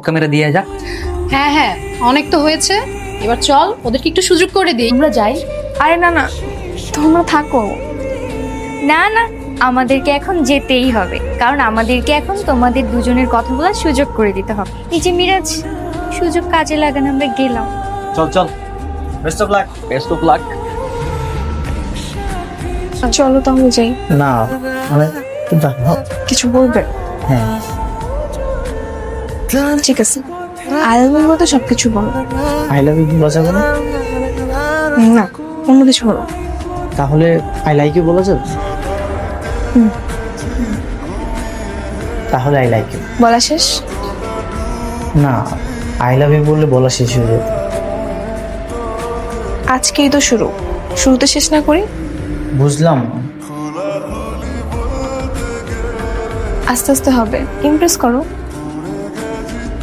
Camera দিয়ে যা। হ্যাঁ হ্যাঁ, অনেক তো হয়েছে, এবার চল ওদেরকে একটু সুযোগ করে দিই, আমরা যাই। আরে না না, তোমরা থাকো। না না, আমাদেরকে এখন যেতেই হবে, কারণ আমাদেরকে এখন তোমাদের দুজনের কথা বলার সুযোগ করে দিতে হবে। এই যে মিরাজ, সুযোগ কাজে লাগান, আমরা গেলাম। চল চল, best of luck. Best of luck. চলো তাহলে যাই। না মানে কিছু বলবে? হ্যাঁ, ঠিক আছে, আলমের মতো সবকিছু বলো। আই লাভ ইউ বলা যাবে না? না, অন্য কিছু বলো। তাহলে আই লাইক ইউ বলা যাবে? তাহলে আই লাইক ইউ। বলা শেষ? না, আই লাভ ইউ বললে বলা শেষ হয়ে যাবে। আজকেই তো শুরু, শুরুতে শেষ না করি? বুঝলাম না। আস্তে আস্তে হবে, ইমপ্রেস করো।